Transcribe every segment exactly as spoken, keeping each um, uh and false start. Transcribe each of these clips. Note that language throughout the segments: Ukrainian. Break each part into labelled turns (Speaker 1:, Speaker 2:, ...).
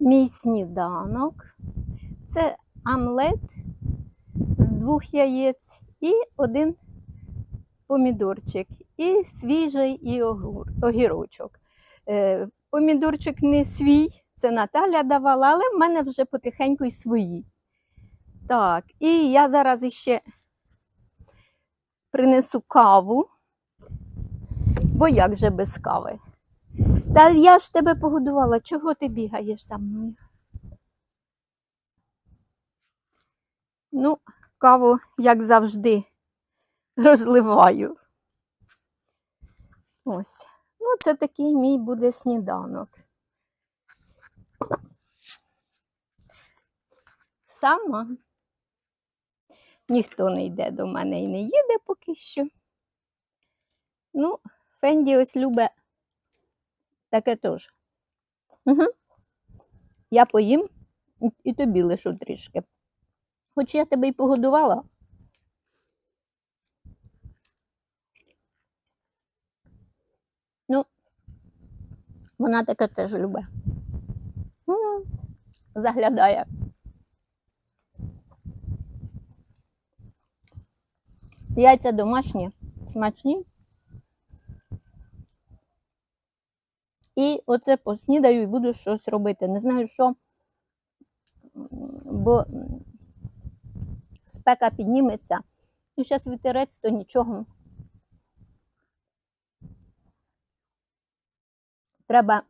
Speaker 1: Мій сніданок – це омлет з двох яєць і один помідорчик, і свіжий і огірочок. Помідорчик не свій, це Наталя давала, але в мене вже потихеньку й свої. Так, і я зараз іще принесу каву, бо як же без кави? Та я ж тебе погодувала, чого ти бігаєш за мною? Ну, каву, як завжди, розливаю. Ось. Ну, це такий мій буде сніданок. Сама. Ніхто не йде до мене і не їде поки що. Ну, Фенді ось любить таке теж. Угу. Я поїм і тобі лишу трішки. Хоч я тебе й погодувала. Ну, вона таке теж любить. Угу. Заглядає. Яйця домашні, смачні. І оце поснідаю і буду щось робити. Не знаю що, бо спека підніметься. І зараз вітерець, то нічого. Треба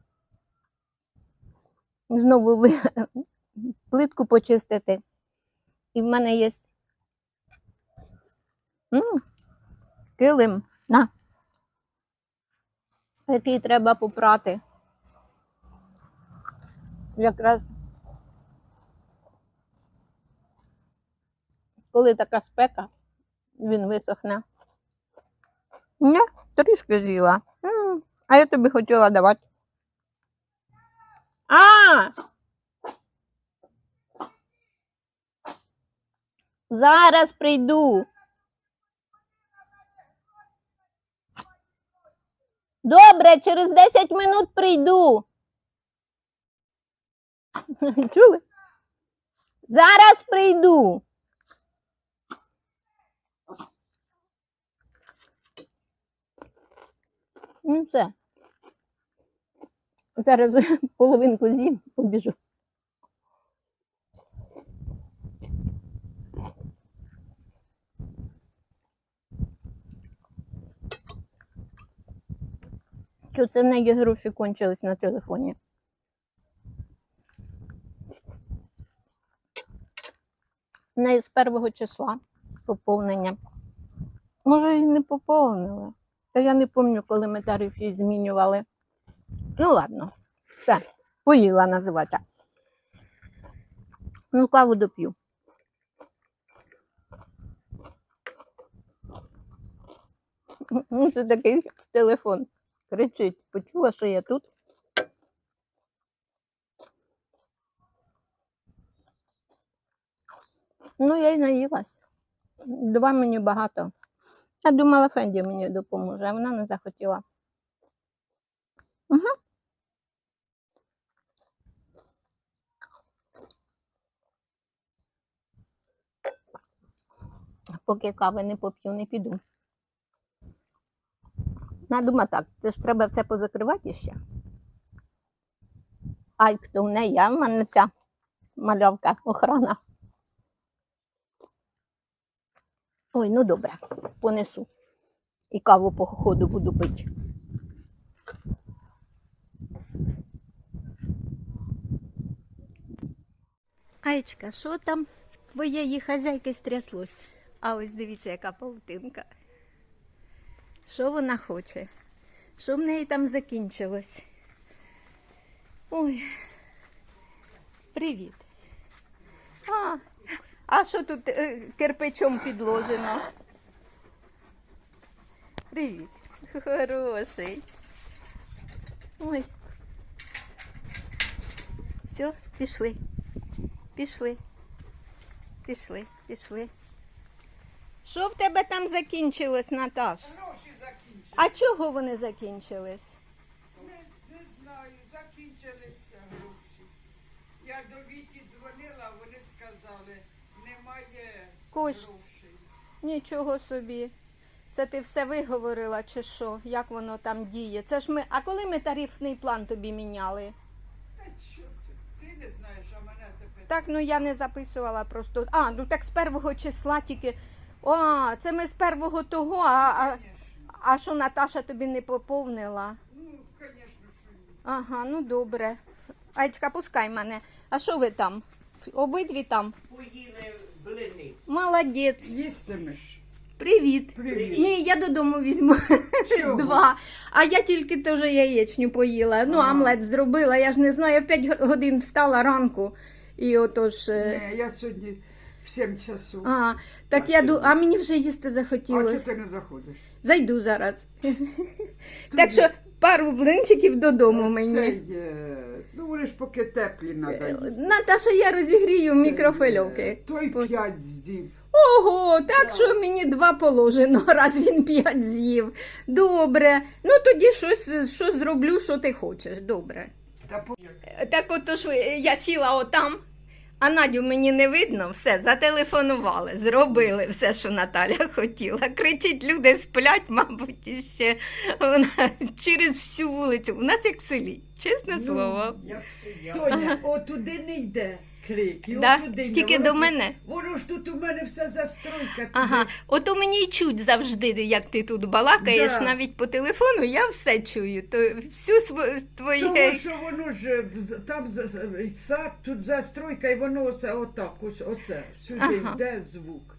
Speaker 1: знову плитку почистити. І в мене є М-м, килим, на, який треба попрати. Якраз коли така спека, він висохне. Ні, трішки з'їла. М-м, а я тобі хотіла давати. А! Зараз прийду. Добре, через десять минут прийду. Чули? Зараз прийду. Ну все. Зараз половинку з'їм, побіжу. Що це в неї гроші кончились на телефоні? В неї з першого числа поповнення. Може і не поповнили. Та я не пам'ятаю, коли ми тариф їй змінювали. Ну ладно, все, поїла називається. Ну, каву доп'ю. Ну, це такий телефон. Кричить, почула, що я тут. Ну, я й наїлась. Два мені багато. Я думала, Фенді мені допоможе, а вона не захотіла. Угу. Поки кави не поп'ю, не піду. Я думаю так, це ж треба все позакривати ще. Ай, хто в неї, а в мене ця малявка, охрана. Ой, ну добре, понесу. І каву по ходу буду пити. Айчка, що там в твоєї хазяйки стряслось? А ось дивіться, яка павутинка. Що вона хоче? Що в неї там закінчилось? Ой, привіт. А, а що тут е, кирпичом підложено? Привіт, хороший. Ой. Все, пішли. Пішли. Пішли, пішли. Що в тебе там закінчилось, Наташ?
Speaker 2: Гроші закінчились.
Speaker 1: А чого вони закінчились?
Speaker 2: Не, не знаю, закінчилися гроші. Я до Віті дзвонила, вони сказали, немає
Speaker 1: Кош-
Speaker 2: грошей.
Speaker 1: Нічого собі. Це ти все виговорила чи що? Як воно там діє? Це ж ми. А коли ми тарифний план тобі міняли?
Speaker 2: Та що ти? Ти не знаєш, а мене тепер.
Speaker 1: Так, ну я не записувала просто. А, ну так з першого числа тільки. О, це ми з першого того, а, а,
Speaker 2: Звісно.
Speaker 1: а що Наташа тобі не поповнила?
Speaker 2: Ну, звісно, що ні.
Speaker 1: Ага, ну добре. Айчка, пускай мене. А що ви там? Обидві там?
Speaker 3: Поїли блини.
Speaker 1: Молодець.
Speaker 2: Їстимеш.
Speaker 1: Привіт.
Speaker 2: Привіт.
Speaker 1: Ні, я додому візьму
Speaker 2: Чого?
Speaker 1: два. А я тільки теж яєчню поїла. Ну,
Speaker 2: Ага.
Speaker 1: омлет зробила. Я ж не знаю, я в п'ять годин встала ранку. І отож. е,
Speaker 2: Ні, я сьогодні в сім часу.
Speaker 1: А, так
Speaker 2: А
Speaker 1: я
Speaker 2: що
Speaker 1: ду...
Speaker 2: ви?
Speaker 1: а мені вже їсти
Speaker 2: А
Speaker 1: захотілося.
Speaker 2: чого ти не заходиш?
Speaker 1: Зайду зараз. Так що пару блинчиків додому мені.
Speaker 2: Це є. Ну, вони ж поки теплі треба їсти.
Speaker 1: Наташа, я розігрію в
Speaker 2: Це
Speaker 1: мікрофильовки.
Speaker 2: є. Той п'ять здів.
Speaker 1: Ого, так що мені два положено, раз він п'ять з'їв. Добре. Ну тоді щось, що зроблю, що ти хочеш. Добре.
Speaker 2: Та по...
Speaker 1: Так отож я сіла отам, а Надю мені не видно, все, зателефонували, зробили все, що Наталя хотіла. Кричить, люди сплять, мабуть, іще вона через всю вулицю. У нас як в селі, чесне слово.
Speaker 3: Як стояв.
Speaker 2: Тоня, отуди не йде крик. І
Speaker 1: Да?
Speaker 2: отуди не.
Speaker 1: Тільки
Speaker 2: Воно
Speaker 1: до
Speaker 2: тут-
Speaker 1: всередині?
Speaker 2: Воно ж тут у мене все застройка. Туди.
Speaker 1: Ага, ото мені й чуть завжди, як ти тут балакаєш,
Speaker 2: Да.
Speaker 1: навіть по телефону, я все чую. То всю свою твоє.
Speaker 2: Тому що воно ж з- там за- з- сад, тут застройка, і воно оце отак, ось оце. Сюди
Speaker 1: Ага.
Speaker 2: йде звук.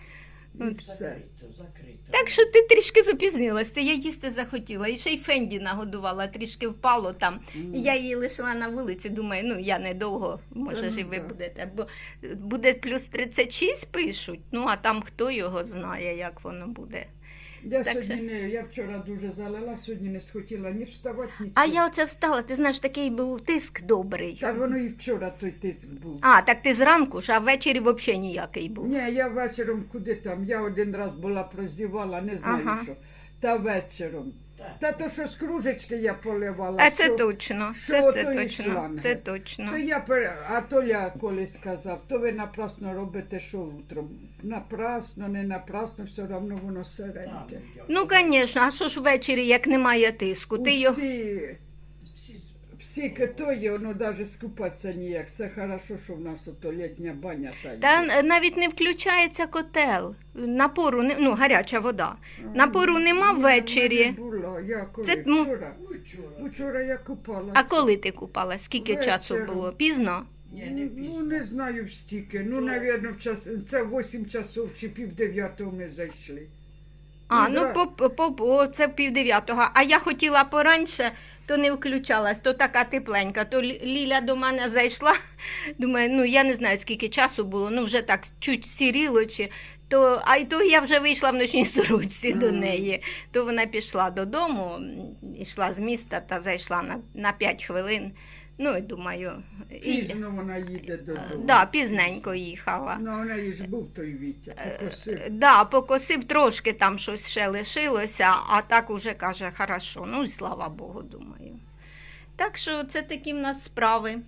Speaker 2: І все.
Speaker 3: Закрито, закрито.
Speaker 1: Так що ти трішки запізнилася, я їсти захотіла. І ще й Фенді нагодувала, трішки впало там. І я її лишила на вулиці, думаю, ну я недовго, може
Speaker 2: Та
Speaker 1: ж і
Speaker 2: ну
Speaker 1: ви
Speaker 2: да.
Speaker 1: будете. Бо буде плюс тридцять шість пишуть, ну а там хто його знає, як воно буде.
Speaker 2: Я
Speaker 1: Так
Speaker 2: сьогодні
Speaker 1: що-
Speaker 2: не, я вчора дуже залила, сьогодні не схотіла ні вставати, ні.
Speaker 1: А я оце встала, ти знаєш, такий був тиск добрий.
Speaker 2: Та воно і вчора той тиск був.
Speaker 1: А, так ти зранку ж, а ввечері взагалі ніякий був.
Speaker 2: Ні, я вечором куди там, я один раз була прозівала, не знаю
Speaker 1: Ага.
Speaker 2: що. Та вечором.
Speaker 3: Так.
Speaker 2: Та то, що з кружечки я поливала.
Speaker 1: А це
Speaker 2: що-
Speaker 1: точно,
Speaker 2: що
Speaker 1: це, це
Speaker 2: ото і
Speaker 1: точно,
Speaker 2: шланги.
Speaker 1: це точно.
Speaker 2: То я пере... А Толя колись сказав, то ви напрасно робите, що утром. Напрасно, не напрасно, все одно воно сиреньке.
Speaker 1: Ну, звісно, а що ж ввечері, як немає тиску? Ти його...
Speaker 2: Усі,
Speaker 3: Всі
Speaker 2: всі китої, воно навіть скупатися ніяк. Це хорошо, що в нас ото літня баня та йде.
Speaker 1: Та навіть не включається котел. Напору, не... ну, гаряча вода. Напору нема
Speaker 2: Ні,
Speaker 1: ввечері.
Speaker 2: Не було. Я коли
Speaker 1: Це, ну,
Speaker 2: вчора.
Speaker 3: вчора.
Speaker 2: Вчора я купалася.
Speaker 1: А коли ти купала? Скільки
Speaker 2: Вечором.
Speaker 1: часу було? Пізно?
Speaker 3: Ні, не
Speaker 2: Ну,
Speaker 3: пізно.
Speaker 2: не знаю стільки. Ну, навірно, в час... це вісім часов чи пів дев'ятого ми зайшли.
Speaker 1: А,
Speaker 2: І
Speaker 1: ну
Speaker 2: зра-
Speaker 1: по, по, по, це в пів дев'ятого. А я хотіла пораньше, то не включалась, то така тепленька. То Лі- Ліля до мене зайшла. Думаю, ну я не знаю, скільки часу було, ну вже так чуть сіріло. Чи, то, а й то я вже вийшла в ночній сорочці до
Speaker 2: Ага.
Speaker 1: неї. То вона пішла додому, м, йшла з міста та зайшла на, на п'ять хвилин. Ну, і думаю, і,
Speaker 2: Пізно вона їде додому.
Speaker 1: да, пізненько їхала.
Speaker 2: Ну, у неї ж був той Вітя, покосив.
Speaker 1: Да, покосив трошки, там щось ще лишилося, а так уже каже, хорошо, ну і слава Богу, думаю. Так що це такі в нас справи.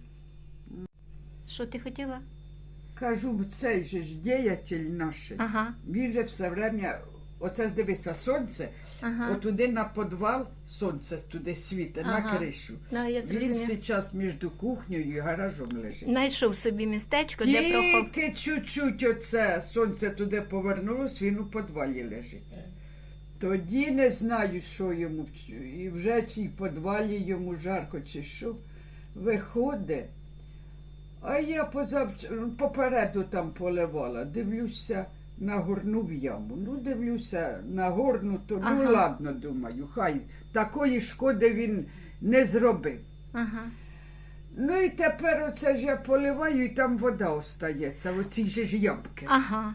Speaker 1: Що ти хотіла?
Speaker 2: Кажу, цей же ж діятель наш,
Speaker 1: Ага,
Speaker 2: він же все время, оце ж дивися, сонце,
Speaker 1: ага.
Speaker 2: отуди на підвал, сонце туди світить, на
Speaker 1: Ага.
Speaker 2: кришу.
Speaker 1: Да, я
Speaker 2: Він
Speaker 1: зрозуміла.
Speaker 2: зараз між кухнею і гаражом лежить.
Speaker 1: Знайшов собі містечко, де прохов.
Speaker 2: Тільки чуть-чуть оце сонце туди повернулось, він у підвалі лежить. Тоді не знаю, що йому, і вже чи в підвалі йому жарко, чи що. Виходить. А я позавч... попереду там поливала, дивлюся, нагорнув яму. Ну, дивлюся, нагорнуто, ну
Speaker 1: Ага.
Speaker 2: ладно, думаю, хай такої шкоди він не зробив.
Speaker 1: Ага.
Speaker 2: Ну і тепер оце ж я поливаю, і там вода остається, в оцій же ж ямки.
Speaker 1: Ага.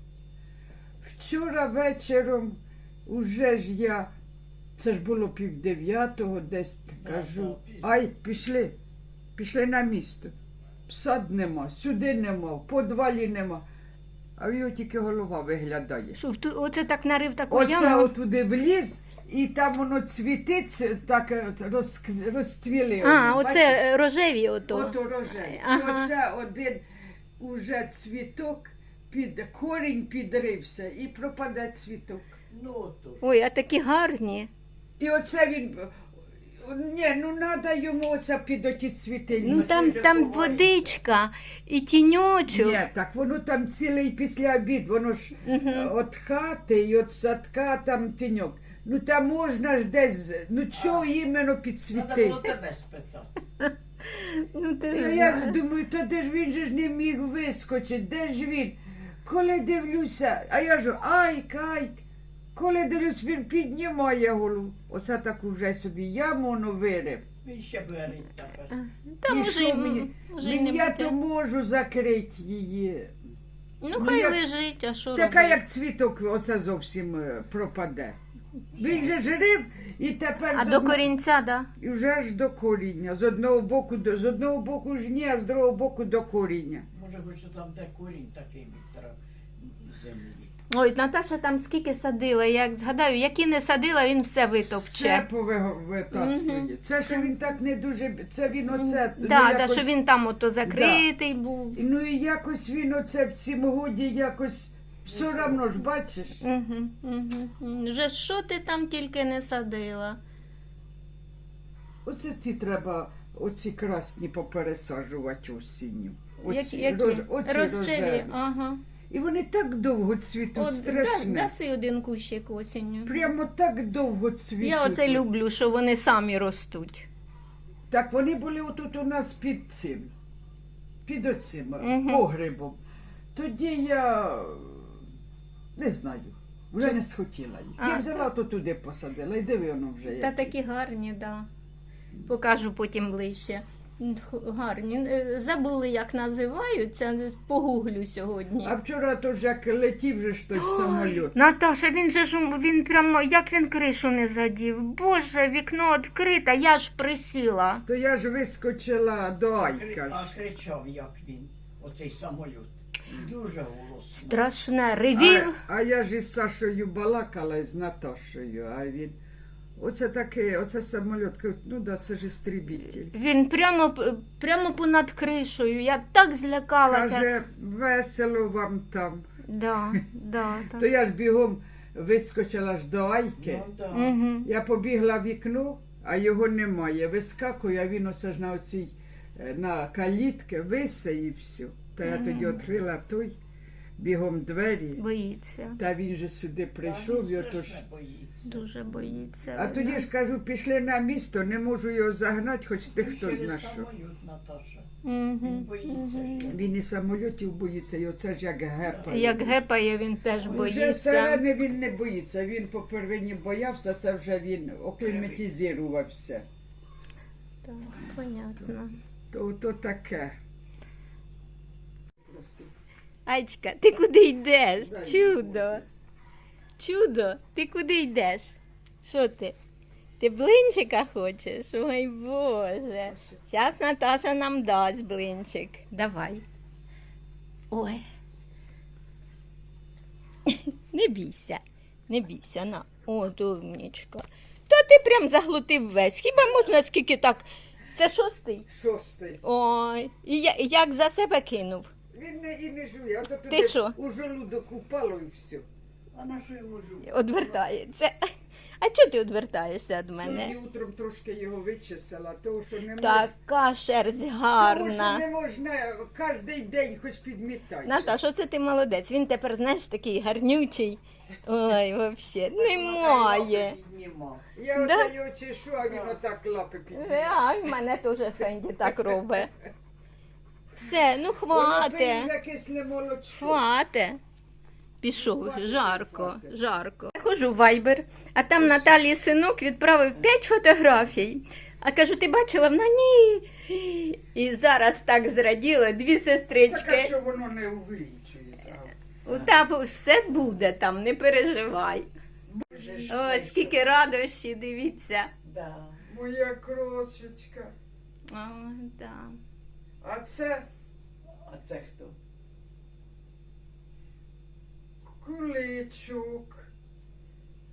Speaker 2: Вчора вечором уже ж я, це ж було пів дев'ятого, десь кажу,
Speaker 3: да, пізно.
Speaker 2: ай, пішли, пішли на місто. Сад нема, сюди нема, в подвалі нема. А в його тільки голова виглядає.
Speaker 1: Що, в ту- оце так нарив таку
Speaker 2: Оце
Speaker 1: яму?
Speaker 2: отуди вліз і там воно цвітиться, так е, розкв- розцвіли.
Speaker 1: А,
Speaker 2: вони,
Speaker 1: оце
Speaker 2: бачиш?
Speaker 1: е, рожеві ото.
Speaker 2: Ото рожеві.
Speaker 1: Ага.
Speaker 2: І оце один уже цвіток, під, корінь підрився і пропаде цвіток.
Speaker 3: Ну, то ж.
Speaker 1: Ой, а такі гарні.
Speaker 2: І оце він. Ні, ну треба йому оце під оті цвіти.
Speaker 1: Ну там,
Speaker 3: вже
Speaker 1: там
Speaker 3: ховається.
Speaker 1: водичка і тіньочок.
Speaker 2: Ні, так воно там цілий після обід, воно ж
Speaker 1: Мгм.
Speaker 2: от хати і от садка там тіньок. Ну там можна ж десь, ну чого іменно
Speaker 3: Треба
Speaker 2: підсвітити?
Speaker 3: було тебе спитати.
Speaker 1: Ну, ти
Speaker 2: І
Speaker 1: ж
Speaker 2: я
Speaker 1: знаєш.
Speaker 2: думаю, та де ж він же ж не міг вискочити, де ж він? Коли дивлюся, а я ж айк, айк. Коли дивлюсь, він піднімає голову. Оце таку вже собі яму воно вирив.
Speaker 3: Він ще береть тепер.
Speaker 1: Та
Speaker 2: І
Speaker 1: може,
Speaker 2: що
Speaker 1: й-
Speaker 2: мені?
Speaker 1: може й
Speaker 2: Мені
Speaker 1: не
Speaker 2: я
Speaker 1: буде.
Speaker 2: то можу закрити її.
Speaker 1: Ну
Speaker 2: ну,
Speaker 1: хай
Speaker 2: як-
Speaker 1: лежить, а що
Speaker 2: Така
Speaker 1: робити?
Speaker 2: як цвіток, оце зовсім е, пропаде. Він же жрив і тепер
Speaker 1: А
Speaker 2: з
Speaker 1: до
Speaker 2: одно-
Speaker 1: корінця, да?
Speaker 2: і вже ж до коріння. З одного боку до з одного боку ж ні, а з другого боку до коріння.
Speaker 3: Може, хоч там де корінь такий Віктора землі.
Speaker 1: Ой, Наташа там скільки садила, як згадаю, які не садила, він все
Speaker 2: Все
Speaker 1: витовче.
Speaker 2: повитаскує.
Speaker 1: Мгм.
Speaker 2: Це що він так не дуже. Це він оце. ну,
Speaker 1: Да, да,
Speaker 2: якось-
Speaker 1: що він там ото закритий був.
Speaker 2: Ну і якось він оце в цім годі якось все одно ж бачиш.
Speaker 1: Угу, угу. Вже що ти там тільки не садила?
Speaker 2: Оце ці треба, оці красні попересаджувати осінню.
Speaker 1: Які?
Speaker 2: Оці,
Speaker 1: які?
Speaker 2: рож- оці
Speaker 1: Розчеві.
Speaker 2: рожеві.
Speaker 1: Ага.
Speaker 2: І вони так довго цвітуть,
Speaker 1: От, да,
Speaker 2: страшне.
Speaker 1: даси один кущик осінню.
Speaker 2: Прямо так довго цвітуть.
Speaker 1: Я оце люблю, що вони самі ростуть.
Speaker 2: Так вони були отут у нас під цим, під оцим
Speaker 1: Мгм.
Speaker 2: погребом. Тоді я не знаю, вже не схотіла їх.
Speaker 1: А,
Speaker 2: Я взяла, то туди посадила, і диви воно вже.
Speaker 1: Та
Speaker 2: як.
Speaker 1: такі гарні, да. Покажу потім ближче. Х- Гарні. Е, Забули, як називаються, погуглю сьогодні.
Speaker 2: А вчора то ж як летів же ж той самоліт.
Speaker 1: Наташа, він же ж він прямо, як він кришу не задів. Боже, вікно відкрите, я ж присіла.
Speaker 2: То я ж вискочила до
Speaker 3: А
Speaker 2: Айка. ж.
Speaker 3: а кричав, як він, оцей самоліт. Дуже голосно.
Speaker 1: Страшне, ревів.
Speaker 2: А, а я ж із Сашою балакала і з Наташою, а він. Оце таке, оце самоліт, кажуть, ну да, це ж істребитель.
Speaker 1: Він прямо, п- прямо понад кришею. Я так злякалася.
Speaker 2: Каже, весело вам там.
Speaker 1: Да, да,
Speaker 2: То
Speaker 1: так.
Speaker 2: я ж бігом вискочила ж до Айки.
Speaker 3: Ну, да.
Speaker 1: Угу.
Speaker 2: Я побігла в вікно, а його немає. Вискакую, а він оце ж на оцій е, на калітки висе і все. Та я тоді відкрила той, бігом двері,
Speaker 1: Боїться.
Speaker 2: та він же сюди прийшов, і
Speaker 3: Та він
Speaker 2: отож.
Speaker 3: страшне боїться.
Speaker 1: Дуже боїться.
Speaker 2: А тоді ж кажу, пішли на місто, не можу його загнати, хоч ти хто
Speaker 3: Через
Speaker 2: зна що.
Speaker 3: самоліт, Наташа.
Speaker 1: Угу.
Speaker 3: Він боїться. що.
Speaker 2: Він і самольотів боїться, і оце ж як гепає.
Speaker 1: Як гепає, він теж
Speaker 2: Вже
Speaker 1: боїться.
Speaker 2: сирени він не боїться, він по первині боявся, це вже він окліматизувався.
Speaker 1: Так, понятно.
Speaker 2: То, то таке.
Speaker 1: Айчка, ти куди йдеш?
Speaker 2: Дай
Speaker 1: Чудо. Чудо, ти куди йдеш? Що ти? Ти блинчика хочеш? Ой Боже. Зараз Наташа нам дасть блинчик. Давай. Ой. Не бійся, не бійся, на. О, умнічка. Та ти прям заглотив весь. Хіба можна скільки так? Це шостий?
Speaker 2: Шостий.
Speaker 1: Ой. І я- як за себе кинув.
Speaker 2: Він не, і не жує, а то
Speaker 1: Ти
Speaker 2: туди
Speaker 1: що?
Speaker 2: у желудок упало і все.
Speaker 3: А на що йому жити?
Speaker 1: Одвертається. А чого ти одвертаєшся від
Speaker 2: Сьогодні
Speaker 1: мене?
Speaker 2: утром трошки його вичесала, того, що не можна.
Speaker 1: Така шерсть
Speaker 2: Того, що
Speaker 1: гарна.
Speaker 2: не можна кожен день хоч підмітати.
Speaker 1: Наташ, оце ти молодець. Він тепер, знаєш, такий гарнючий. Ой, взагалі, немає.
Speaker 3: Піднімав.
Speaker 2: Я
Speaker 1: Да?
Speaker 2: оце його чешу, а він отак лапи піднімає.
Speaker 1: А, в мене теж Фенді так робить. Все, ну хвате.
Speaker 2: Воно кисле молочко.
Speaker 1: Хвате. Пішов, жарко, жарко. Я ходжу в Viber, а там Наталії синок відправив п'ять фотографій. А кажу, ти бачила? Вона ні. І зараз так зраділа, дві
Speaker 2: Так, а
Speaker 1: сестрички.
Speaker 2: що воно не увеличується?
Speaker 1: Та все буде там, не переживай.
Speaker 3: Вже ж
Speaker 1: Ой,
Speaker 3: вийшов.
Speaker 1: скільки радощі, дивіться.
Speaker 3: Да.
Speaker 2: Моя крошечка.
Speaker 1: О, да.
Speaker 2: А це
Speaker 3: А це хто?
Speaker 2: куличок.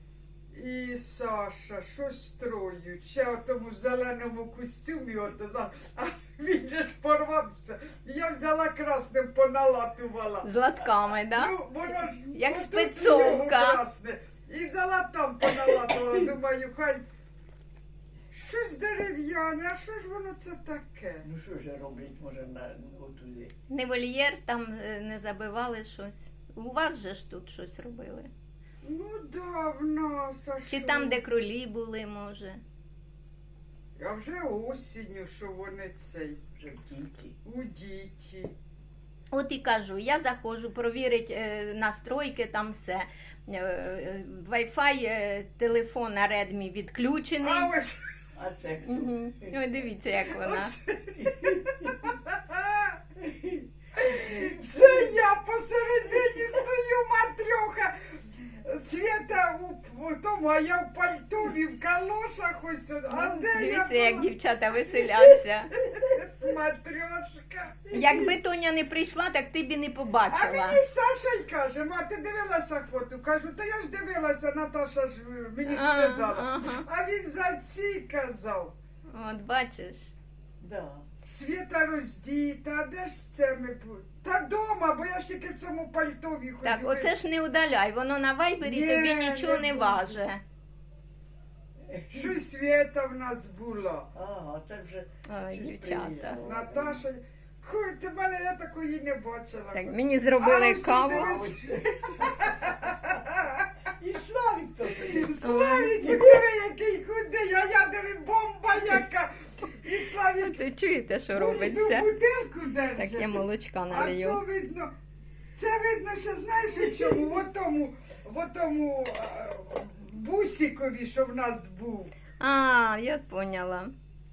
Speaker 2: і Саша, щось строють. Ще в тому зеленому костюмі, ото, зна- а він же ж порвався. Я взяла красним, поналатувала.
Speaker 1: З латками, да?
Speaker 2: Ну, воно ж
Speaker 1: Як
Speaker 2: отут
Speaker 1: спецовка.
Speaker 2: його красне. І взяла там поналатувала. Думаю, хай щось дерев'яне, а що ж воно це таке?
Speaker 3: Ну що ж роблять, може, на отуди.
Speaker 1: Не вольєр, там е, не забивали щось. У вас же ж тут щось робили.
Speaker 2: Ну, да, в нас, а
Speaker 1: Чи
Speaker 2: що?
Speaker 1: там, де кролі були, може.
Speaker 2: А вже осінню, що вони цей,
Speaker 3: Вже в діті.
Speaker 2: у діті.
Speaker 1: От і кажу, я заходжу, провірити е, настройки, там все. Е, е, Wi-Fi, е, телефон на Redmi відключений.
Speaker 2: А ось
Speaker 3: А це хто?
Speaker 1: Угу. Ой, дивіться, як вона.
Speaker 2: оце. Це я посередині стою, матрьоха. Свята у, у тому, а я в пальтові, в калошах ось. А де я
Speaker 1: Дивіться, як
Speaker 2: була?
Speaker 1: дівчата веселяться.
Speaker 2: Матрьошка.
Speaker 1: Якби Тоня не прийшла, так ти б і не
Speaker 2: А
Speaker 1: побачила.
Speaker 2: мені Саша й каже, ма, ти дивилася фото? Кажу, та я ж дивилася, Наташа ж мені
Speaker 1: А,
Speaker 2: скидала.
Speaker 1: ага.
Speaker 2: А він за ці казав.
Speaker 1: От бачиш.
Speaker 3: Да.
Speaker 2: Світа роздіта, а де ж це ми були? Та дома, бо я ж тільки в цьому пальтові ходю.
Speaker 1: Так, оце ж не удаляй, воно на вайбері
Speaker 2: Ні,
Speaker 1: тобі нічого
Speaker 2: не
Speaker 1: не
Speaker 2: буду.
Speaker 1: важе.
Speaker 2: Що й Світа в нас була.
Speaker 3: Ага, це вже
Speaker 1: Ой,
Speaker 3: щось
Speaker 1: дівчата.
Speaker 3: приїхало.
Speaker 2: Наташа, кур, ти мене, я такої не бачила.
Speaker 1: Так, мені зробили
Speaker 2: А, ось
Speaker 1: каву.
Speaker 2: сюди
Speaker 3: А ось- І Славік то це.
Speaker 2: Славічик, диви, який худий, а я диви, бомба яка. І Славік
Speaker 1: Це чуєте, що
Speaker 2: пусту
Speaker 1: робиться?
Speaker 2: бутилку держить.
Speaker 1: Так, я молочка
Speaker 2: А то
Speaker 1: налью.
Speaker 2: видно, це видно, що знаєш у чому? В отому, в отому а, бусикові, що в нас був.
Speaker 1: А, я поняла.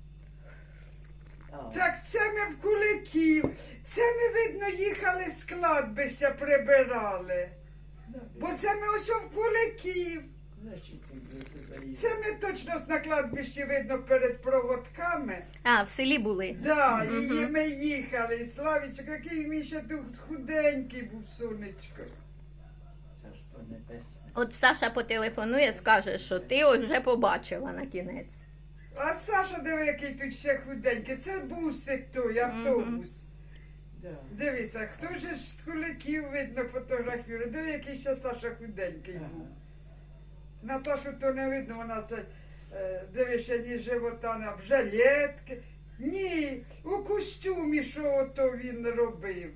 Speaker 3: А,
Speaker 2: Так це ми в Куликів. Це ми, видно, їхали з кладбища, прибирали. Бо це ми ось в Куликів.
Speaker 3: Значить, ти це заїхав.
Speaker 2: Це ми точно на кладбищі, видно, перед проводками.
Speaker 1: А, в селі були.
Speaker 2: Да, і
Speaker 1: Мгм.
Speaker 2: ми їхали. І Славічок, який він ще тут худенький був, сонечко.
Speaker 3: Царство небесне.
Speaker 1: От Саша потелефонує, скаже, що ти вже побачила на кінець.
Speaker 2: А Саша, диви, який тут ще худенький. Це бусик той, автобус.
Speaker 3: Да.
Speaker 2: Дивися, хто же ж з куликів видно фотографірує. Диви, який ще Саша худенький
Speaker 3: Ага.
Speaker 2: був. Наташу то не видно, вона це, е, диви, ще ні живота, не- в жилетки. Ні, у костюмі, що ото він робив.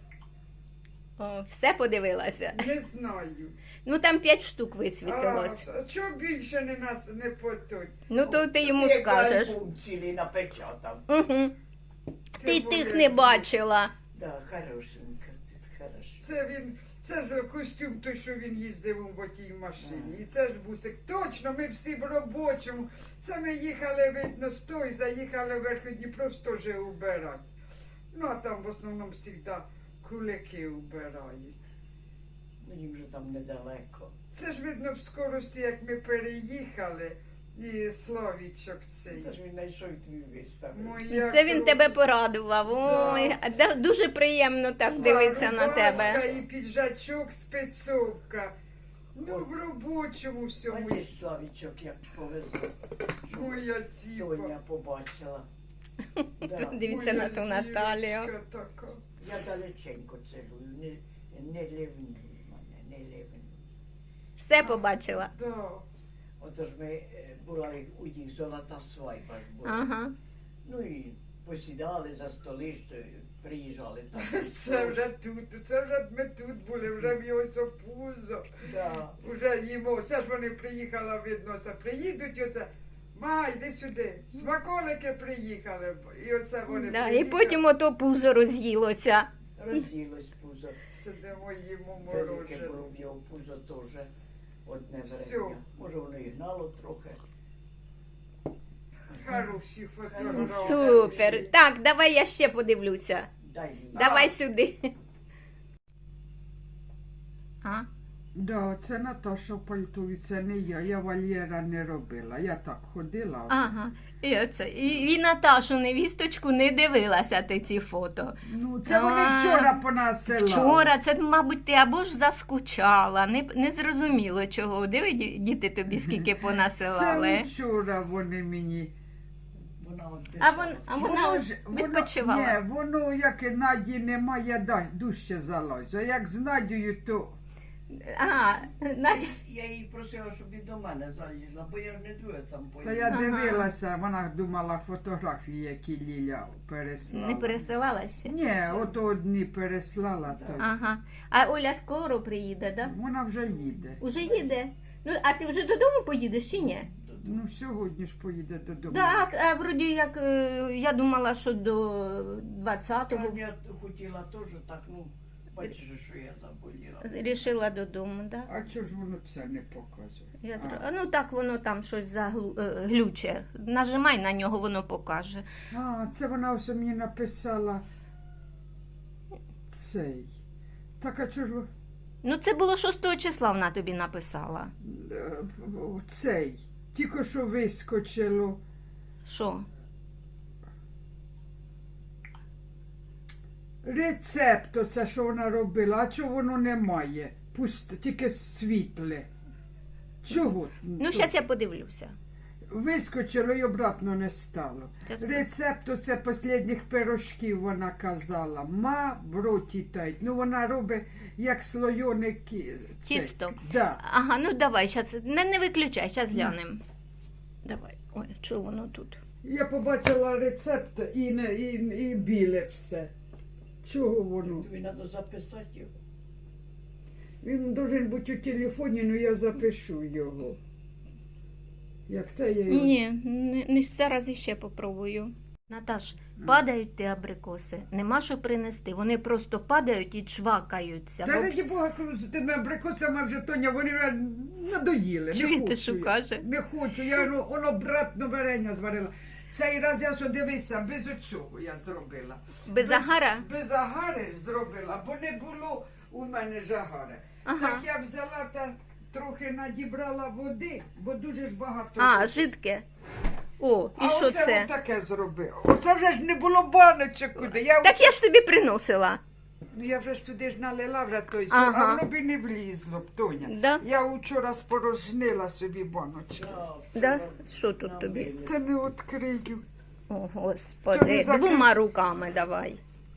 Speaker 1: О, все подивилася.
Speaker 2: Не знаю.
Speaker 1: Ну там п'ять штук
Speaker 2: А,
Speaker 1: висвітилось.
Speaker 2: а чого більше не нас не потуть?
Speaker 1: Ну то ти йому
Speaker 3: Як
Speaker 1: скажеш.
Speaker 3: альбом цілий напечатав.
Speaker 1: Угу. Ти
Speaker 2: Ти
Speaker 1: тих не
Speaker 2: молодець.
Speaker 1: бачила.
Speaker 3: Да, хорошенька, ти хороша.
Speaker 2: Це він, це ж костюм той, що він їздив у тій машині. І це ж бусик. Точно, ми всі в робочому. Це ми їхали, видно, з той, заїхали в Верходніпро теж убирати. Ну, а там в основному завжди кулики убирають.
Speaker 3: Ну, їм же там недалеко.
Speaker 2: Це ж видно в скорості, як ми переїхали, і Славічок цей.
Speaker 3: Це ж він знайшов тобі виставив.
Speaker 2: Моя
Speaker 1: Це він
Speaker 2: кров.
Speaker 1: тебе порадував. Ой, а да- дуже приємно так дивитися на
Speaker 2: Рубашка
Speaker 1: тебе.
Speaker 2: і піджачок, спецовка. Ну, в робочому всьому.
Speaker 3: Бачиш, Славічок, як повезло. що
Speaker 2: Моя тіпа.
Speaker 3: Тоня побачила. Да.
Speaker 1: Дивіться на ту
Speaker 2: Моя
Speaker 1: Наталію.
Speaker 2: зірочка така.
Speaker 3: Я далеченько цілую, не, не ливнув мене, не ливнув.
Speaker 1: Все побачила.
Speaker 2: Да.
Speaker 3: Отож ми е, були у їх золота свадьба ж була.
Speaker 1: Ага.
Speaker 3: Ну і посідали за столи, що приїжджали там.
Speaker 2: Це вже тут, це вже ми тут були, вже в його сопузо.
Speaker 3: Да.
Speaker 2: Вже їмо. Все ж вони приїхали, видно, це приїдуть, і оце. Ма, йди сюди. Смаколики приїхали. І оце вони
Speaker 1: Да, і
Speaker 2: приїхали.
Speaker 1: потім ото пузо роз'їлося.
Speaker 3: Розділось пузо.
Speaker 2: Сидимо, їмо
Speaker 3: Велике
Speaker 2: морожене.
Speaker 3: було в його пузо теж одне
Speaker 2: Всьо.
Speaker 3: варення. Може воно і гнало трохи.
Speaker 2: Хороші фотографії.
Speaker 1: Супер. Так, давай я ще подивлюся.
Speaker 3: Дай їй.
Speaker 1: Давай сюди. А?
Speaker 2: Да, це Наташа в пальтові, це не я. Я вольєра не робила. Я так ходила.
Speaker 1: Ага. І, оце. І, і Наташу, невісточку, не дивилася ти ці фото.
Speaker 2: Ну, це вони
Speaker 1: А,
Speaker 2: вчора понасилали.
Speaker 1: Вчора, це, мабуть, ти або ж заскучала, не, не зрозуміло чого. Диви, ді- діти тобі скільки
Speaker 2: Це
Speaker 1: понасилали.
Speaker 2: вчора вони мені.
Speaker 3: Вона от
Speaker 1: А, вон, а вона
Speaker 2: Воно
Speaker 1: от
Speaker 2: ж- воно-
Speaker 1: відпочивала.
Speaker 2: Ні, воно, як і Наді немає, да, дужче залазить. А як з Надією, то
Speaker 1: А, Надя.
Speaker 3: Я її просила, щоб і до мене залізла, бо я ж не дуже там
Speaker 2: та
Speaker 3: поїду.
Speaker 2: я
Speaker 1: Ага.
Speaker 2: дивилася, вона думала фотографії, які Ліля переслала.
Speaker 1: Не пересилала ще?
Speaker 2: Ні, ото одні переслала, то
Speaker 1: Ага. А Оля скоро приїде, да?
Speaker 2: вона вже їде.
Speaker 1: Уже їде. Ну, а ти вже додому поїдеш чи ні?
Speaker 2: Ну, сьогодні ж поїде додому.
Speaker 1: Так, а вроді як е, я думала, що до двадцятого
Speaker 3: Я хотіла теж так, ну, бачиш, що я заболіла.
Speaker 1: рішила додому, да?
Speaker 2: А чого ж воно це не показує?
Speaker 1: Я зро...
Speaker 2: А.
Speaker 1: а. Ну так воно там щось заглу... е, глюче. Нажимай на нього, воно покаже.
Speaker 2: А, це вона ось мені написала цей. Так, а чого ж ви-
Speaker 1: Ну це було шостого числа вона тобі написала.
Speaker 2: е, цей? Тільки що вискочило.
Speaker 1: Що?
Speaker 2: Рецепт, оце, що вона робила, а чого воно немає? Пусте, тільки світле. Чого?
Speaker 1: Ну, зараз я подивлюся.
Speaker 2: Вискочило і обратно не стало.
Speaker 1: Щас-
Speaker 2: Рецепт оце останніх пирожків вона казала. Ма в роті тають. Ну вона робить як слойоне кі... це.
Speaker 1: Тісто.
Speaker 2: Да.
Speaker 1: Ага, ну давай, зараз не, не виключай, зараз глянемо. Давай. Ой, що воно тут?
Speaker 2: Я побачила рецепт і, не, і, і біле все. Чого воно?
Speaker 3: Тобі треба записати його.
Speaker 2: Він должен бути у телефоні, ну я запишу його. Як те я його...
Speaker 1: Ні, не, не зараз іще попробую. Наташ, падають ті абрикоси, нема що принести. Вони просто падають і чвакаються.
Speaker 2: Та
Speaker 1: Бо-
Speaker 2: раді Бога, кажу, з тими абрикосами вже, Тоня, вони вже надоїли.
Speaker 1: Чуєте,
Speaker 2: не хочу
Speaker 1: що
Speaker 2: я.
Speaker 1: каже?
Speaker 2: Не хочу, я ну, воно братно варення зварила. Цей раз я що дивися, без оцього я зробила.
Speaker 1: Без агара?
Speaker 2: Без агари зробила, бо не було у мене ж агари.
Speaker 1: Ага.
Speaker 2: Так я взяла та трохи надібрала води, бо дуже ж багато.
Speaker 1: А,
Speaker 2: води.
Speaker 1: жидке. О, і
Speaker 2: а
Speaker 1: що
Speaker 2: оце
Speaker 1: це?
Speaker 2: таке зробила. Оце вже ж не було баночок куди. Я,
Speaker 1: Так я ж тобі приносила.
Speaker 2: Ну, я вже ж сюди ж налила вже той,
Speaker 1: Ага.
Speaker 2: а воно б і не влізло б, Тоня.
Speaker 1: Да?
Speaker 2: Я вчора спорожнила собі баночки.
Speaker 1: Да? Що тут тобі?
Speaker 2: Та не відкрию.
Speaker 1: О,
Speaker 2: Тобі
Speaker 1: господи,
Speaker 2: закрив-
Speaker 1: двома руками давай.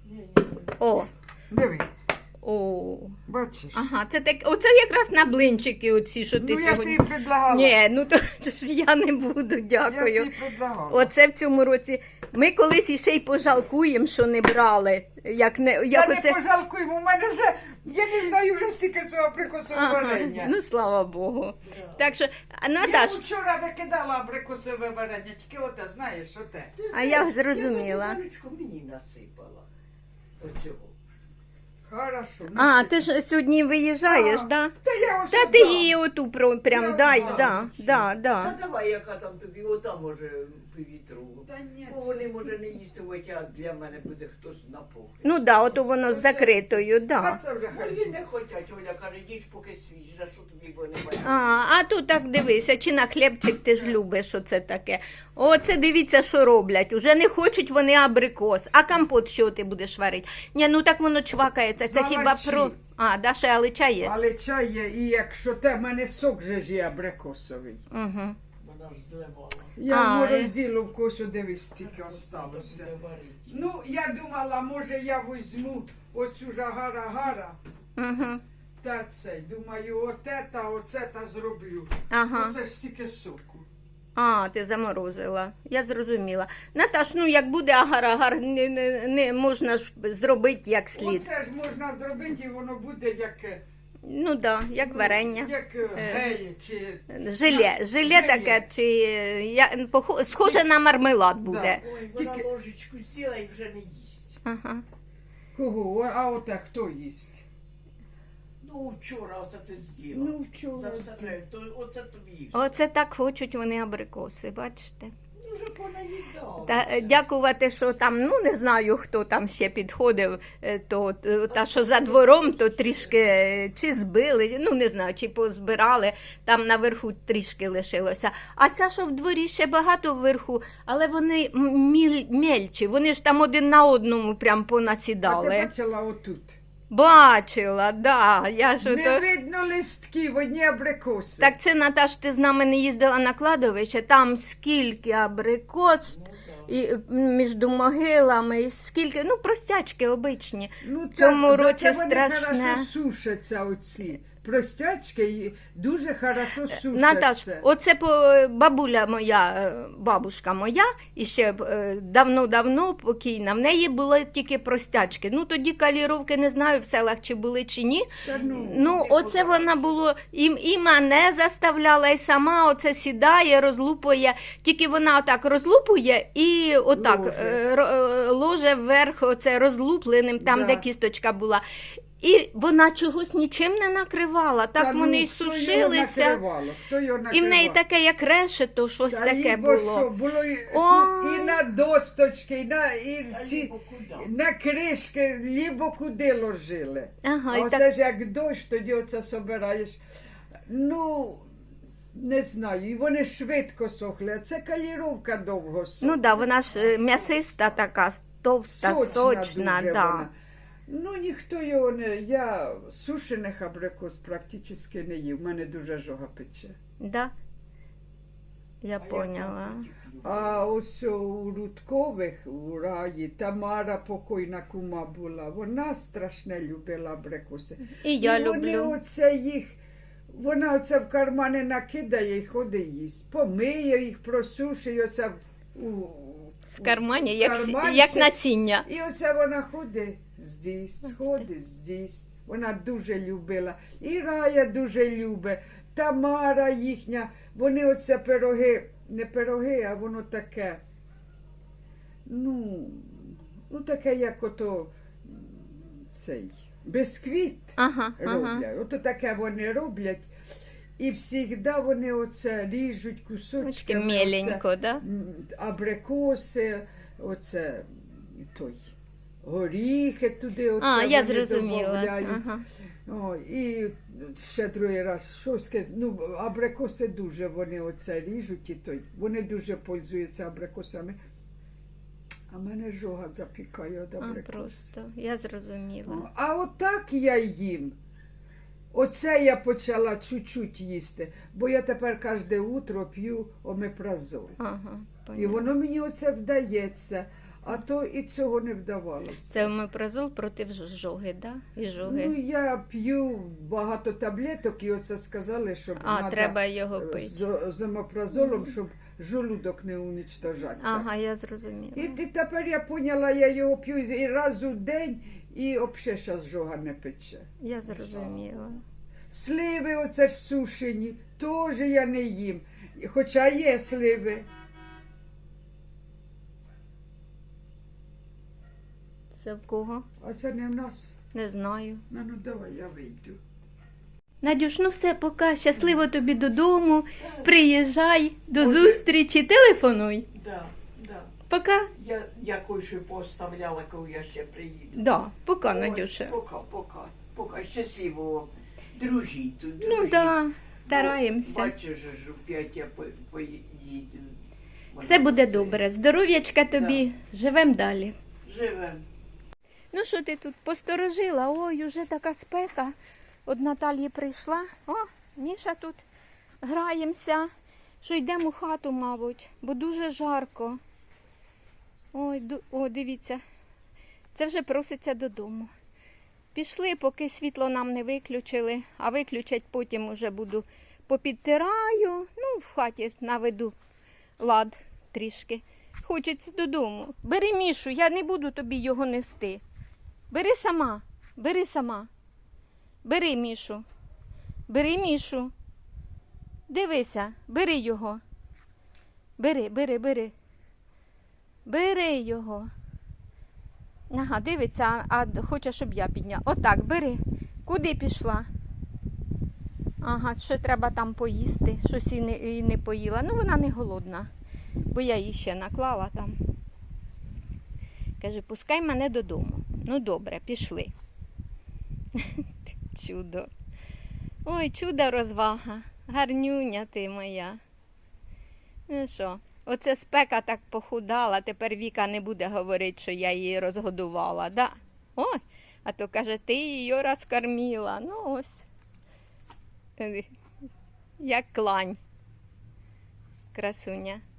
Speaker 1: О,
Speaker 2: Диви,
Speaker 1: о.
Speaker 2: бачиш?
Speaker 1: Ага, це так, оце якраз на блинчики оці, що ти
Speaker 2: Ну я ж
Speaker 1: сьогодні.
Speaker 2: тобі предлагала.
Speaker 1: Ні, ну то ж я не буду,
Speaker 2: я
Speaker 1: дякую.
Speaker 2: тобі предлагала.
Speaker 1: Оце в цьому році. Ми колись іще й пожалкуємо, що не брали. Як не,
Speaker 2: Я
Speaker 1: як
Speaker 2: не
Speaker 1: оце...
Speaker 2: пожалкую, бо в мене вже, я не знаю вже стільки цього абрикосового
Speaker 1: Ага,
Speaker 2: варення.
Speaker 1: ну слава Богу. Так що, а,
Speaker 2: Я
Speaker 1: Наташ,
Speaker 2: вчора викидала абрикосове варення, тільки оте, знаєш, що те.
Speaker 1: а я зрозуміла.
Speaker 3: Я баночку мені насипала. Оцього.
Speaker 2: Хорошо. ну,
Speaker 1: А, ти ж сьогодні виїжджаєш,
Speaker 2: А,
Speaker 1: да?
Speaker 2: Та я ось
Speaker 1: Та
Speaker 2: сюди.
Speaker 1: ти її оту про- прям
Speaker 2: Я
Speaker 1: дай,
Speaker 2: знаю,
Speaker 1: да,
Speaker 2: що.
Speaker 1: да,
Speaker 3: Та
Speaker 1: да.
Speaker 3: давай, яка там тобі, ота може по вітру.
Speaker 2: Та ні,
Speaker 3: Бо
Speaker 2: це-
Speaker 3: вони може не їстимуть, а для мене буде хтось на похід.
Speaker 1: Ну да, ото воно з закритою,
Speaker 2: А
Speaker 1: да.
Speaker 2: це вже хай.
Speaker 3: Мої не хочуть, Оля каже, їж поки свіж, а що тобі бо немає.
Speaker 1: А, а тут так дивися, чи на хлібчик ти ж любиш, оце таке. Оце дивіться, що роблять. Уже не хочуть вони абрикос. А компот що ти будеш варити? Ні, ну так воно чвакається. Це хіба
Speaker 2: Залачі.
Speaker 1: про. А, да, ще алича є.
Speaker 2: Але чай є, і якщо те, в мене сок же ж є абрикосовий.
Speaker 1: Угу.
Speaker 3: Вона ж зливала.
Speaker 2: Я
Speaker 1: А,
Speaker 2: в морозилу в косу дивись, стільки осталося.
Speaker 3: Буде варити.
Speaker 2: Ну, я думала, може я візьму оцю ж агара-гара
Speaker 1: Угу.
Speaker 2: та цей. Думаю, оте та оце та зроблю.
Speaker 1: Ага.
Speaker 2: Оце ж стільки соку.
Speaker 1: А, ти заморозила. Я зрозуміла. Наташ, ну як буде агар-агар, не, не, не можна ж зробити як слід.
Speaker 2: Оце ж можна зробити, і воно буде як, е,
Speaker 1: Ну да, як
Speaker 2: ну,
Speaker 1: варення.
Speaker 2: як е, гель чи...
Speaker 1: Желе, желе таке, чи е, я, похо- схоже на мармелад буде.
Speaker 3: Ой, вона
Speaker 2: Тільки-
Speaker 3: ложечку з'їла і вже не їсть.
Speaker 1: Ага.
Speaker 2: Кого? О, а оте хто їсть?
Speaker 3: Ну, вчора оце ти з'їла.
Speaker 2: Ну, вчора
Speaker 3: За все
Speaker 2: з'їла.
Speaker 3: треба, то оце тобі їж.
Speaker 1: Оце так хочуть вони абрикоси, бачите?
Speaker 3: Ну, вже понаїдав.
Speaker 1: Та е, дякувати, що там, ну не знаю, хто там ще підходив, е, то е, та, що за двором, то трішки е, чи збили, ну не знаю, чи позбирали, там наверху трішки лишилося. А ця, що в дворі ще багато вверху, але вони м- міль, мельчі, вони ж там один на одному прям
Speaker 2: А ти
Speaker 1: понасідали.
Speaker 2: бачила отут?
Speaker 1: Бачила, да, я ж
Speaker 2: Не
Speaker 1: ото...
Speaker 2: видно листків, одні абрикоси.
Speaker 1: Так це, Наташ, ти з нами не їздила на кладовище, там скільки абрикос і м, між могилами, і скільки, ну, простячки обичні.
Speaker 2: Ну,
Speaker 1: в цьому
Speaker 2: так,
Speaker 1: році
Speaker 2: зате вони
Speaker 1: страшне.
Speaker 2: хорошо сушаться оці. Простячки і дуже хорошо сушаться.
Speaker 1: Наташ, оце по бабуля моя, е, бабушка моя, і ще е, давно-давно покійна, в неї були тільки простячки. Ну, тоді каліровки, не знаю, в селах чи були, чи ні.
Speaker 2: Та ну,
Speaker 1: Ну, оце вона було, і, і мене заставляла, і сама оце сідає, розлупує, тільки вона отак розлупує і отак
Speaker 2: Ложе.
Speaker 1: е, ро- е, ложе вверх, оце розлупленим, там,
Speaker 2: Да.
Speaker 1: де кісточка була. І вона чогось нічим не накривала, так
Speaker 2: Та ну,
Speaker 1: вони й
Speaker 2: хто його
Speaker 1: сушилися.
Speaker 2: накривало? Хто його
Speaker 1: І в
Speaker 2: накривав?
Speaker 1: неї таке, як решето, щось
Speaker 2: Та
Speaker 1: таке
Speaker 2: лібо
Speaker 1: було.
Speaker 2: що, було і,
Speaker 1: Ой.
Speaker 2: і на досточки, і на, і
Speaker 3: Та
Speaker 2: ці,
Speaker 3: лібо куди?
Speaker 2: на кришки, лібо куди ложили.
Speaker 1: Ага,
Speaker 2: А
Speaker 1: і
Speaker 2: оце
Speaker 1: так,
Speaker 2: ж як дощ, тоді оце собираєш. Ну, не знаю, і вони швидко сохли, а це каліровка довго сохла.
Speaker 1: ну да, вона ж е, м'ясиста така, товста, сочна,
Speaker 2: Сочна дуже
Speaker 1: да.
Speaker 2: вона. Ну, ніхто його не. Я сушених абрикос практично не їв. У мене дуже жога пече.
Speaker 1: Да? Я
Speaker 3: А
Speaker 1: поняла.
Speaker 2: А ось у Рудкових у раї Тамара покойна кума була. Вона страшне любила абрикоси.
Speaker 1: І я
Speaker 2: і вони
Speaker 1: люблю.
Speaker 2: оце їх. Вона оце в кармани накидає і ходить їсть. Помиє їх, просушує оце в, у,
Speaker 1: В кармані, як, с-
Speaker 2: карманчик.
Speaker 1: як насіння.
Speaker 2: І оце вона ходить здесь, ходить здесь. Вона дуже любила. І Рая дуже любить. Тамара їхня. Вони оце пироги, не пироги, а воно таке. Ну, ну таке, як ото м, цей бисквіт
Speaker 1: Ага, ага.
Speaker 2: роблять. Ото таке вони роблять. І завжди вони оце ріжуть
Speaker 1: Очки
Speaker 2: кусочками.
Speaker 1: меленько,
Speaker 2: оце,
Speaker 1: да?
Speaker 2: м, абрикоси, оце той. Горіхи туди, оце
Speaker 1: А, я
Speaker 2: вони
Speaker 1: зрозуміла.
Speaker 2: добавляють.
Speaker 1: Ага.
Speaker 2: О, і ще другий раз щось, ке- ну, абрикоси дуже вони оце ріжуть і той. Вони дуже пользуються абрикосами. А мене жога запікає від
Speaker 1: А,
Speaker 2: абрикос.
Speaker 1: просто, я зрозуміла.
Speaker 2: О, А отак я їм. Оце я почала чуть-чуть їсти, бо я тепер кожне утро п'ю омепразол.
Speaker 1: Ага,
Speaker 2: І
Speaker 1: поняла.
Speaker 2: воно мені оце вдається, а то і цього не вдавалося.
Speaker 1: Це омепразол проти жоги, да? І
Speaker 2: Ну,
Speaker 1: жоги.
Speaker 2: я п'ю багато таблеток, і оце сказали, щоб
Speaker 1: А,
Speaker 2: надо,
Speaker 1: треба його
Speaker 2: е,
Speaker 1: пити.
Speaker 2: з, з омепразолом, щоб желудок не уничтожати.
Speaker 1: Ага, я зрозуміла.
Speaker 2: І, і тепер я поняла, я його п'ю і раз у день, і взагалі зараз жога не пече.
Speaker 1: Я зрозуміла.
Speaker 2: Сливи оце ж сушені, теж я не їм. Хоча є сливи.
Speaker 1: Це в кого?
Speaker 2: А це не в нас.
Speaker 1: Не знаю.
Speaker 2: Ну, ну давай, я вийду.
Speaker 1: Надюш, ну все, пока. Щасливо тобі додому. Приїжджай, до
Speaker 3: Може-
Speaker 1: зустрічі, телефонуй.
Speaker 3: Да, да.
Speaker 1: Пока.
Speaker 3: Я, я кое-що поставляла, коли я ще приїду.
Speaker 1: Да, пока,
Speaker 3: Ой,
Speaker 1: Надюша.
Speaker 3: Пока, пока. Пока. Щасливо вам. Дружіть тут,
Speaker 1: Ну
Speaker 3: дружіть.
Speaker 1: да, стараємося.
Speaker 3: Бачиш, же ж опять я по- поїду.
Speaker 1: Все буде добре. Здоров'ячка тобі. Живем далі.
Speaker 3: Живем.
Speaker 1: Ну що ти тут посторожила? Ой, уже така спека. От Наталії прийшла. О, Міша тут граємося. Що йдемо у хату, мабуть, бо дуже жарко. Ой, ду- о, дивіться. Це вже проситься додому. Пішли, поки світло нам не виключили, а виключать потім уже буду попідтираю. Ну, в хаті наведу лад трішки. Хочеться додому. Бери Мішу, я не буду тобі його нести. Бери сама, бери сама. Бери Мішу. Бери Мішу. Дивися, бери його. Бери, бери, бери. Бери його. Ага, дивиться, а, а хоче, щоб я підняла. Отак, бери. Куди пішла? Ага, ще треба там поїсти. Щось і не, і не поїла. Ну, вона не голодна. бо я її ще наклала там. Каже, пускай мене додому. Ну добре, пішли. Чудо. Ой, чудо розвага. Гарнюня ти моя. Ну що, оце спека так похудала, тепер Віка не буде говорити, що я її розгодувала, да? Ой, а то каже, ти її розкормила. Ну ось. Як клань. Красуня.